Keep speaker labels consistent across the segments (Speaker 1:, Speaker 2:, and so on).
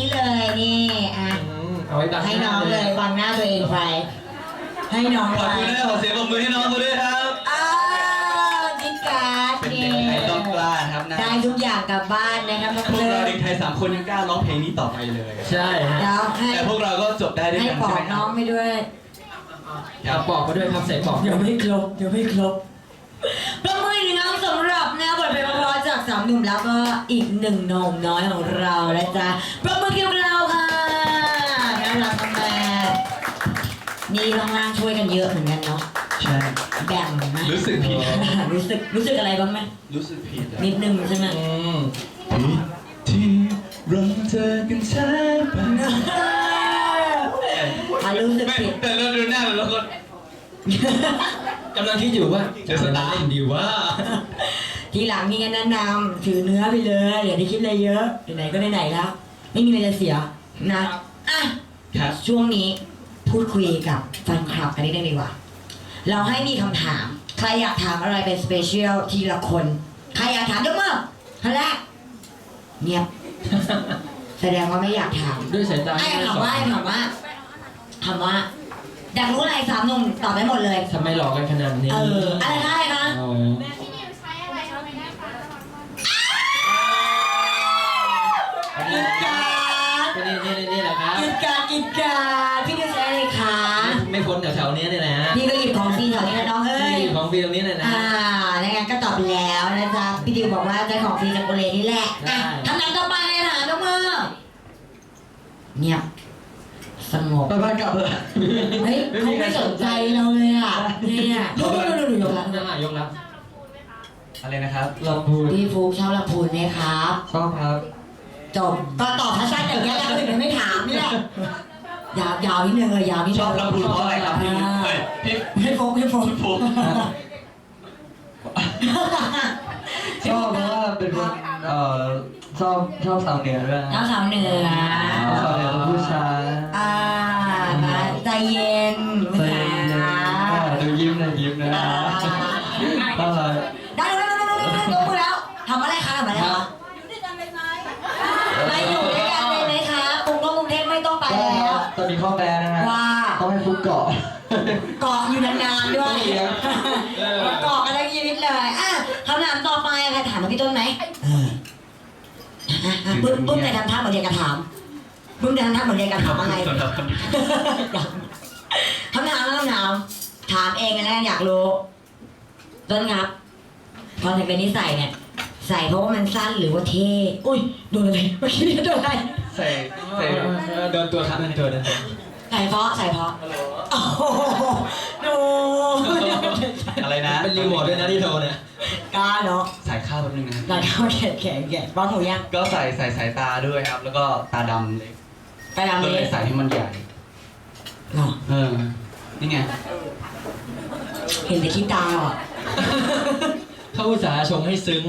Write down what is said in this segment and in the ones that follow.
Speaker 1: นี้เลยนี่อ่ะ
Speaker 2: เอาไว้ดัง
Speaker 1: ให้น้องเลยบังหน้าตัวเองไปให้น้อง
Speaker 3: ขอบคุณนะขอเสียงปรบมือให้น้องเขาด้วยครับ
Speaker 1: กินการ์ด
Speaker 3: เป็นเด็กไทยต้องกล้าครับนะ
Speaker 1: ได้ทุกอย่างกลับบ้านนะครับน้อง
Speaker 3: พว
Speaker 1: เลิ
Speaker 3: กเรา
Speaker 1: ศ
Speaker 3: เด็กไทย3 คนยังกล้าร้องเพลงนี้ต่อไปเลย
Speaker 2: ใช่ฮะ
Speaker 1: แล้วให้
Speaker 3: แต่พวกเราก็จบได้ด้วย
Speaker 1: ให้
Speaker 3: กัน
Speaker 1: ปอ
Speaker 3: ใช่ไหม
Speaker 1: ก
Speaker 3: ค
Speaker 1: น้
Speaker 3: รั
Speaker 1: อบ งไปด้วย
Speaker 2: เอาปอกมาด้วยครับใส่ปอก
Speaker 1: เดี๋ยวไม่ครบประมือหนึ่งน้องสำหรับนะบทเพลงเพราะจากสามหนุ่มแล้วก็อีกหนึ่งหนุ่มน้อยของเรานะจ๊ะประมือเกี่ยวกับเราค่ะน่ารักมากนี่ล่างๆช่วยกันเยอะเหมือนกันเนาะ
Speaker 3: ใช่
Speaker 1: แบ่งไหม
Speaker 3: รู้สึกผิด
Speaker 1: รู้สึกอะไรบ้างไหม
Speaker 3: รู้สึกผิดอะ
Speaker 1: นิดนึงใช่ไหม
Speaker 3: ผิดที่เราเจอกันช้าไป
Speaker 1: รู้สึก
Speaker 3: ไม่
Speaker 1: ผิด
Speaker 3: แต่เราดูหน้าแล้วก็
Speaker 2: กำลังคิดอยู่ว่าจะสตาร์ทเล่นดีว่า
Speaker 1: ทีหลังมีกันแนะนำถือเนื้อไปเลยอย่าได้คิดอะไรเยอะไหนๆก็ไหนๆแล้วไม่มีอะไรจะเสียนะอ่ะ
Speaker 3: ครับ
Speaker 1: ช่วงนี้พูดคุยกับแฟนคลับกันนิดนึงดีกว่าเราให้มีคำถามใครอยากถามอะไรเป็นสเปเชียลทีละคนใครอยากถามยกมือคนแรกเงียบ แสดงว่าไม่อยากถาม
Speaker 2: ด้วยสายตา
Speaker 1: ไอ้ถามว่าอยากรู้อะไรสามหนุ่มตอบได้หมดเลย
Speaker 2: ทำไมหลอกกันขนาดนี้
Speaker 1: อะไรคะ
Speaker 2: อ๋อ
Speaker 1: กินการ
Speaker 2: นี่แหละครับ
Speaker 1: กินการพี่ดิวใช้อะไรคะ
Speaker 2: ไม่พ้นแถวๆนี้นี่แหละฮะ
Speaker 1: พี่ก็หยิบของฟรีแถวนี้นะน้องเอ้ย
Speaker 2: นี่ของฟรีตรงนี้เลยนะ
Speaker 1: ในงานก็ตอบไปแล้วนะจ๊ะพี่ดิวบอกว่าใจของฟรีจากโกเลนี่แหละทำงานต่อไปเลยค่ะยกมือเงียบสงบ
Speaker 3: ไปบ้านกลับเลย
Speaker 1: เฮ้ยเขาไม่สนใจเราเลยอ่ะเนี่ยดูยกแล้ว
Speaker 2: ยกแล้ว
Speaker 3: อะไรนะครับ
Speaker 2: ลำพูน
Speaker 1: พี่ฟุกชอบลำพูนไหมครับ
Speaker 2: ชอบครับ
Speaker 1: จบก็ตอบชัดๆอย่างเงี้ยแล้วคนอื่นไม่ถามนี่แหละยาวนิดนึงเลยยาวนิดนึง
Speaker 3: ชอบลำพูนเพราะอะไรครับพี่เฮ้ยพี่
Speaker 1: พี่ฟุก
Speaker 3: ฟู
Speaker 4: ชอบเพราะว่าเป็นคนชอบสาวเหนือด้วย
Speaker 1: น้องสาวเหนือ
Speaker 4: สาวเหนือเป็นผู้ชาย
Speaker 1: มาใจเย็น
Speaker 4: ใจเย็นๆดูยิ้มนะน่ารัก
Speaker 1: ได้ยกมือแล้วทำอะไรคะไปอยู่ด้วยกันเลยไหมคะกรุงเทพไม่ต้องไปแล้ว
Speaker 4: ตอนนี้ข้อแม้นะฮะ
Speaker 1: ว่า
Speaker 4: ต้องให้ฟุกเกาะ
Speaker 1: เกาะอยู่นานๆด้วยเกาะกันทั้งชีวิตเลยคำถามต่อไปใครถามมาพี่ต้นไหมปุ้มแต่ทำท่าเหมือนเรียนกระถามปุ้มแต่ทำท่าเหมือนเรียนกระถามอะไรคำถามถามเองกันแล้วอยากรู้ต้นครับพอแต่เป็นนิสัยเนี่ยใส่เพราะว่ามันสั้นหรือว่าเท่อุ้ยโดนอะไรเมื่อกี้โดนอะไร
Speaker 3: ใส่
Speaker 2: เดินตัวครับเดินตัว
Speaker 1: ใส่เพราะโอ้โหดู
Speaker 3: อะไรนะ
Speaker 2: เป็นรีโมทด้วยนะที่โทรเนี่ย
Speaker 1: กล้าเนาะ
Speaker 3: ใส่ข้าวแป๊บนึงนะ
Speaker 1: หลังเข้าแขกบ้างหูยัง
Speaker 3: ก็ใส่สายตาด้วยครับ แล้วก็ตาดำเลย
Speaker 1: ไปทำ
Speaker 3: ก็
Speaker 1: เล
Speaker 3: เลย ยใส่ให้มันใหญ่
Speaker 1: หรอ
Speaker 3: นี่ไง
Speaker 1: เห็นแต่ขี้ตาอ่ะ
Speaker 2: เขาอุตส่าห์ชงให้ซึ้ง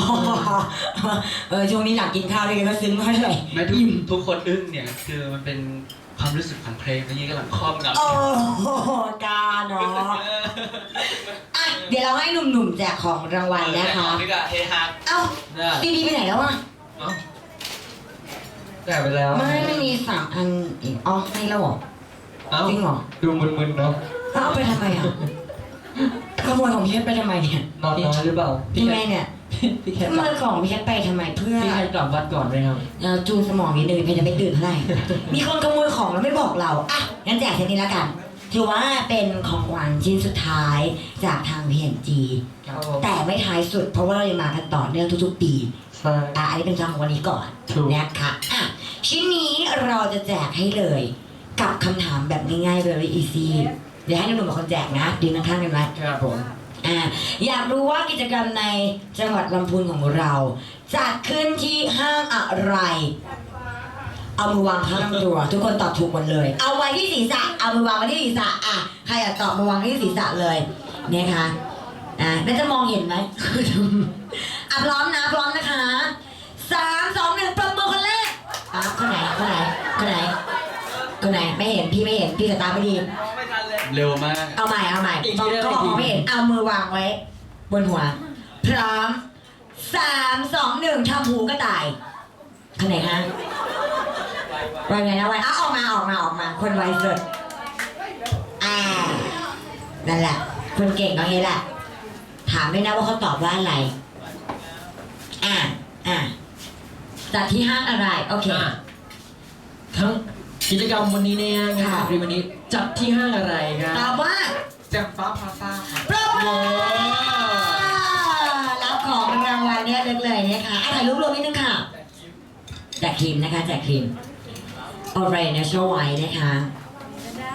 Speaker 1: ช่วงนี้หลังกินข้าวด้วยกันก็ซึ้งมากเลย
Speaker 3: ไม่ทุกคนอึ้งเนี่ยคือมันเป็นความรู้สึกของเพลงนี้กำลังครอบงำ
Speaker 1: โอ้กาเนาะเดี๋ยวเราให้หนุ่มๆแจกของรางวัลนะคะ
Speaker 3: นี่ก็เฮฮา
Speaker 1: เอ้าดีไปไหนแล้วอ่ะ
Speaker 4: แต่ไปแล้ว
Speaker 1: ไม่มี3 อันอีกให้แล้วเหรอ
Speaker 2: เอ้า
Speaker 1: จริงเหรอ
Speaker 4: ดูมึนๆเนาะ
Speaker 1: เอาไปทำไมอ่ะขโมยของพี่เพชรไปทำไมเนี่ย
Speaker 4: นอนน้อยหรือเปล่า
Speaker 1: พี่แม่เนี่ย
Speaker 2: พี่แค
Speaker 1: ข
Speaker 2: ท
Speaker 1: โมยของพี่เพชรไปทำไมเพื่อ
Speaker 2: พี่แคทกลับวัดก่อนไหมครับ
Speaker 1: เราจูนสมองนิดนึงเพชรจะไม่ตื่นเท่าไหร่ มีคนขโมยของแล้วไม่บอกเรางั้นแจกเทนี้แล้วกันถือว่าเป็นของขวัญชิ้นสุดท้ายจากทาง PNG แต่ไม่ท้ายสุดเพราะว่าเรายังมากันต่อเนื่องทุกๆปี
Speaker 4: ใช่
Speaker 1: อันนี้เป็นคำของวันนี้ก่อน
Speaker 4: ถูก
Speaker 1: นะคะชิ้นนี้เราจะแจกให้เลยกับคำถามแบบง่ายๆ very easy เดี๋ยวให้หนุ่มๆเป็นคนแจกนะดึงข้างๆกันไว้
Speaker 2: ครับผม
Speaker 1: อยากรู้ว่ากิจกรรมในจังหวัดลำพูนของเราจัดขึ้นที่ห้างอะไร เอามือวางข้างลำตัว ทุกคนตอบถูกหมดเลย เอาไว้ที่ศีรษะเอามือวางไว้ที่ศีรษะใครอยากตอบมือวางไว้ที่ศีรษะเลยนะคะแล้วจะมองเห็นไหม พร้อมนะคะ3 2 1ปรบมือคนแรกคนไหนไม่เห็นพี่ไม่เห็นพี่สายตาไม่ดี
Speaker 3: เร็วมาก
Speaker 1: เอาใหม่ก็บอกไม่เห็นเอามือวางไว้ บนหัว พร้อม3 2 1ทำหูกระต่ายคนไหนคะวันไหนนะวันออกมาคนไวสุดนั่นแหละคนเก่งตรงนี้แหละถามไม่นะว่าเขาตอบว่าอะไรจัดที่ห้างอะไรโอเค
Speaker 2: ทั้งกิจกรรมวันนี้เนี่ยงานฟรีวันนี้จัดที่ห้างอะไรครับ
Speaker 1: ตอบว่า
Speaker 3: แจ่มฟ้าพลาซ่าครับ
Speaker 1: ปรบมือรับของรางวัลเนี่ยเลยนะคะถ่ายรูปรวมนิดนึงค่ะแจกครีมนะคะแจกครีม Orange Natural White นะคะ